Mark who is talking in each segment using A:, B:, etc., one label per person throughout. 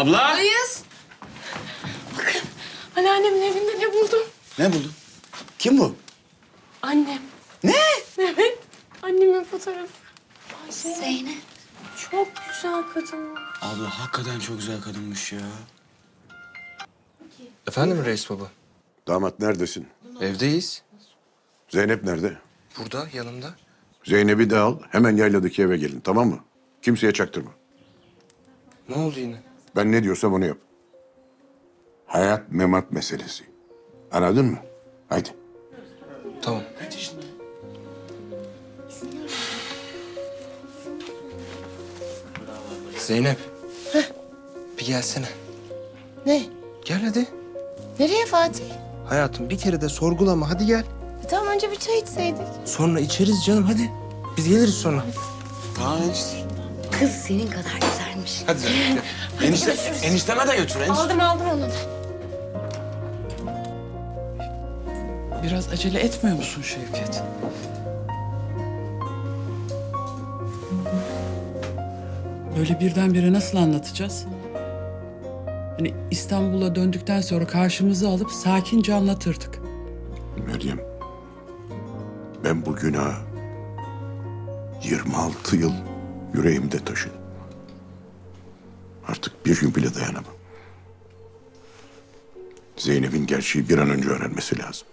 A: Abla!
B: Ayız. Bakın anneannemin evinde ne buldum?
A: Ne buldun? Kim bu?
B: Annem.
A: Ne?
B: Evet. Annemin fotoğrafı. Ayşe.
C: Zeynep.
B: Çok güzel kadın.
A: Abla hakikaten çok güzel kadınmış ya.
D: Efendim reis baba?
E: Damat neredesin?
D: Evdeyiz.
E: Zeynep nerede?
D: Burada yanımda.
E: Zeynep'i de al, hemen yayladaki eve gelin, tamam mı? Kimseye çaktırma.
D: Ne oldu yine?
E: Ben ne diyorsam onu yap. Hayat memat meselesi. Anladın mı? Haydi.
D: Tamam. Zeynep. Bir gelsene.
C: Ne?
D: Gel hadi.
C: Nereye Fatih?
D: Hayatım bir kere de sorgulama hadi gel.
C: Tamam önce bir çay içseydik.
D: Sonra içeriz canım hadi. Biz geliriz sonra.
A: Tamam enişte.
C: Kız senin kadar güzelmiş.
D: Hadi Zeynep gel.
A: Enişteme de götür enişte.
B: Aldım onu.
F: Biraz acele etmiyor musun Şevket? Böyle birdenbire nasıl anlatacağız? Hani İstanbul'a döndükten sonra karşımıza alıp sakince anlatırdık.
E: Meryem, ben bu günahı 26 yıl yüreğimde taşıdım. Artık bir gün bile dayanamam. Zeynep'in gerçeği bir an önce öğrenmesi lazım.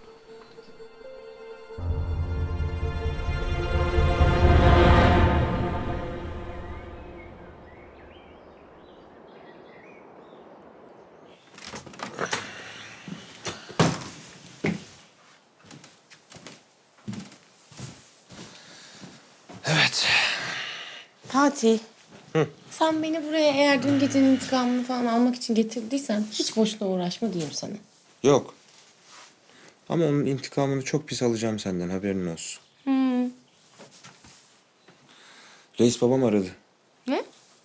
D: Evet.
C: Fatih. Sen beni buraya eğer dün gecenin intikamını falan almak için getirdiysen hiç boşuna uğraşma diyeyim sana.
D: Yok. Ama onun intikamını çok pis alacağım senden haberin olsun. Reis babam aradı.
C: Ne?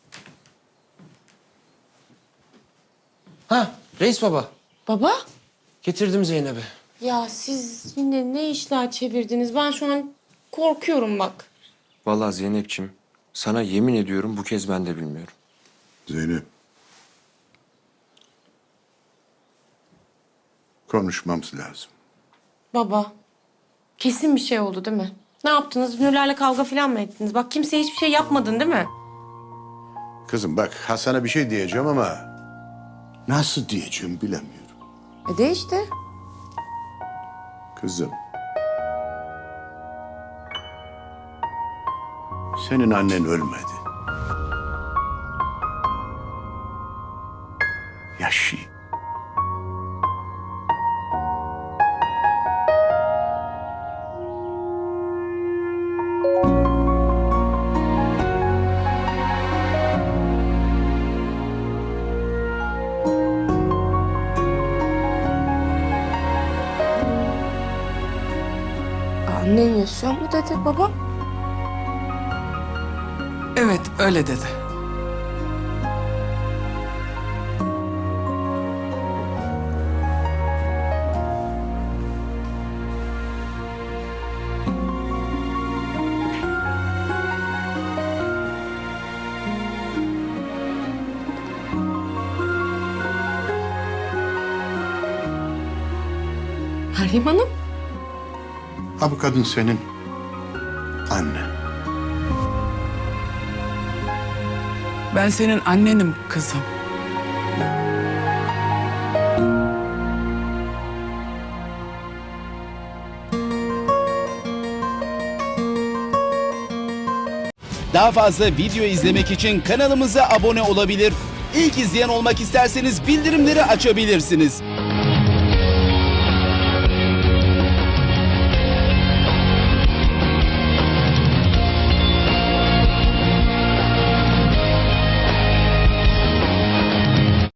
D: Ha reis baba.
C: Baba?
D: Getirdim Zeynep'i.
C: Ya siz yine ne işler çevirdiniz? Ben şu an korkuyorum bak.
D: Vallahi Zeynep'ciğim sana yemin ediyorum bu kez ben de bilmiyorum.
E: Zeynep. Konuşmamız lazım.
C: Baba. Kesin bir şey oldu değil mi? Ne yaptınız? Nurlarla kavga falan mı ettiniz? Bak kimseye hiçbir şey yapmadın değil mi?
E: Kızım bak Hasan'a bir şey diyeceğim ama nasıl diyeceğim bilemiyorum.
C: De işte.
E: Kızım. Senin annen ölmedi. Yaşıyor.
C: Annen yaşıyor mu dedi baba?
F: Evet, öyle dedi.
C: Meryem Hanım.
E: Ha bu kadın senin annen.
F: Ben senin annenim kızım.
G: Daha fazla video izlemek için kanalımıza abone olabilir. İlk izleyen olmak isterseniz bildirimleri açabilirsiniz.